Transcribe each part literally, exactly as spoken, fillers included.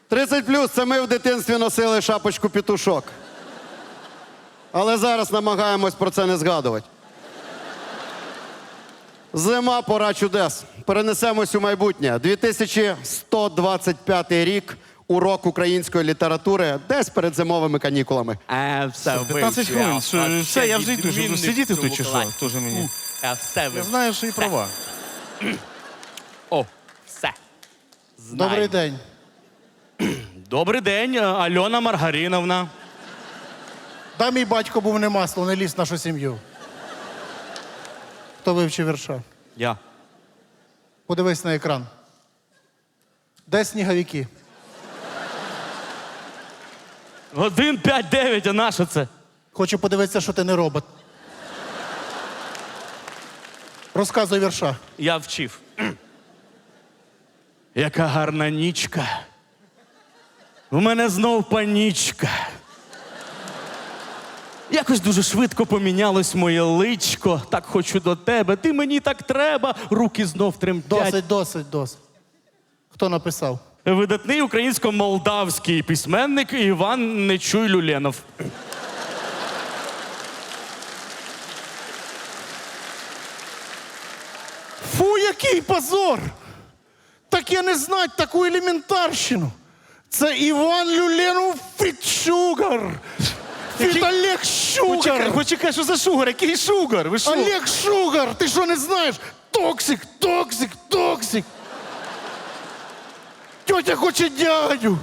тридцять плюс – це ми в дитинстві носили шапочку петушок. Але зараз намагаємось про це не згадувати. Зима – пора чудес. Перенесемось у майбутнє. дві тисячі сто двадцять п'ятий рік, урок української літератури, десь перед зимовими канікулами. А, все, п'ятнадцять хвилин. Що, все, я вже йду. Що, сидіти тут чи що? Тоже мені. А, все Я ви. знаю, що і права. О, все. Знаю. Добрий день. Добрий день, Альона Маргариновна. Да, мій батько був не масло, не ліз в нашу сім'ю. Хто вивчив вірша? Я. Подивись на екран. Де сніговики? Один, п'ять, дев'ять, а на що це? Хочу подивитися, що ти не робот. Розказуй вірша. Я вчив. Яка гарна нічка. У мене знов панічка. Якось дуже швидко помінялось моє личко. Так хочу до тебе, ти мені так треба. Руки знов тремтять. Досить, досить, досить. Хто написав? Видатний українсько-молдавський письменник Іван Нечуй Люленов. Фу, який позор! Так я не знать таку елементарщину. Це Іван Люленов Фітшугар. Фіт Який- Олег Почекай, Шугар. почекай, що за шугар? Який шугар? Ви що? Олег Шугар, ти що не знаєш? Токсик, токсик, токсик. Тьотя хоче дядю.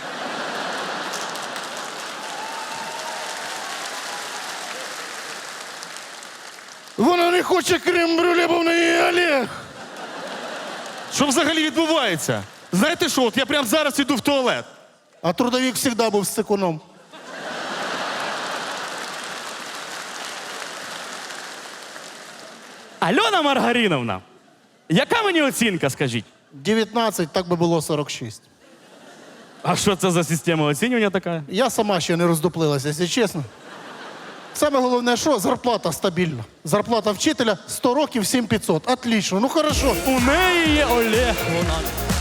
Вона не хоче крем-брюле, бо в неї Олег. Що взагалі відбувається? Знаєте що, от я прямо зараз іду в туалет. А трудовик завжди був з секуном. Альона Маргариновна, яка мені оцінка, скажіть? дев'ятнадцять, так би було сорок шість. А що це за система оцінювання така? Я сама ще не роздуплилася, якщо чесно. Саме головне, що зарплата стабільна. Зарплата вчителя сто років сім п'ятсот. Отлично, ну хорошо. У неї є Олег. Вона